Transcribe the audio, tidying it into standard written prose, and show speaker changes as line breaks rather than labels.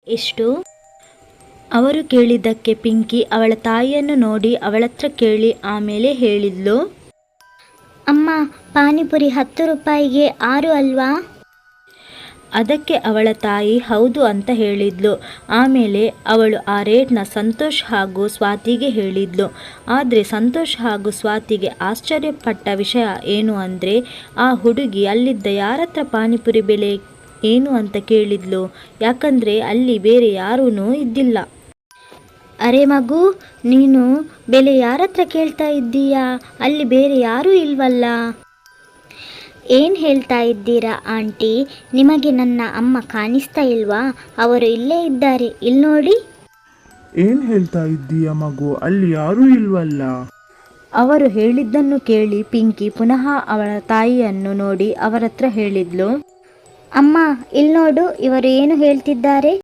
ಎಷ್ಟು? ಅವರು ಕೇಳಿದ್ದಕ್ಕೆ ಪಿಂಕಿ ಅವಳ ತಾಯಿಯನ್ನು ನೋಡಿ ಅವಳತ್ರ ಕೇಳಿ ಆಮೇಲೆ ಹೇಳಿದ್ಲು,
ಅಮ್ಮ, ಪಾನಿಪುರಿ 10 ರೂಪಾಯಿಗೆ 6 ಅಲ್ವಾ?
ಅದಕ್ಕೆ ಅವಳ ತಾಯಿ ಹೌದು ಅಂತ ಹೇಳಿದ್ಲು. ಆಮೇಲೆ ಅವಳು ಆ ರೇಟ್ನ ಸಂತೋಷ್ ಹಾಗೂ ಸ್ವಾತಿಗೆ ಹೇಳಿದ್ಲು. ಆದರೆ ಸಂತೋಷ್ ಹಾಗೂ ಸ್ವಾತಿಗೆ ಆಶ್ಚರ್ಯಪಟ್ಟ ವಿಷಯ ಏನು ಅಂದರೆ, ಆ ಹುಡುಗಿ ಅಲ್ಲಿದ್ದ ಯಾರತ್ರ ಪಾನಿಪುರಿ ಬೆಲೆ ಏನು ಅಂತ ಕೇಳಿದ್ಲು. ಯಾಕಂದರೆ ಅಲ್ಲಿ ಬೇರೆ ಯಾರೂ ಇದ್ದಿಲ್ಲ.
ಅರೆ ಮಗು, ನೀನು ಬೆಲೆ ಯಾರತ್ರ ಕೇಳ್ತಾ ಇದ್ದೀಯಾ? ಅಲ್ಲಿ ಬೇರೆ ಯಾರೂ ಇಲ್ವಲ್ಲ? ಏನು ಹೇಳ್ತಾ ಇದ್ದೀರಾ ಆಂಟಿ? ನಿಮಗೆ ನನ್ನ ಅಮ್ಮ ಕಾಣಿಸ್ತಾ ಇಲ್ವಾ? ಅವರು ಇಲ್ಲೇ ಇದ್ದಾರೆ, ಇಲ್ಲಿ ನೋಡಿ.
ಏನ್ ಹೇಳ್ತಾ ಇದ್ದೀಯ ಮಗು? ಅಲ್ಲಿ ಯಾರೂ ಇಲ್ವಲ್ಲ?
ಅವರು ಹೇಳಿದ್ದನ್ನು ಕೇಳಿ ಪಿಂಕಿ ಪುನಃ ಅವಳ ತಾಯಿಯನ್ನು ನೋಡಿ ಅವರತ್ರ ಹೇಳಿದ್ಲು,
ಅಮ್ಮ, ಇಲ್ಲಿ ನೋಡು, ಇವರು ಏನು ಹೇಳ್ತಿದ್ದಾರೆ.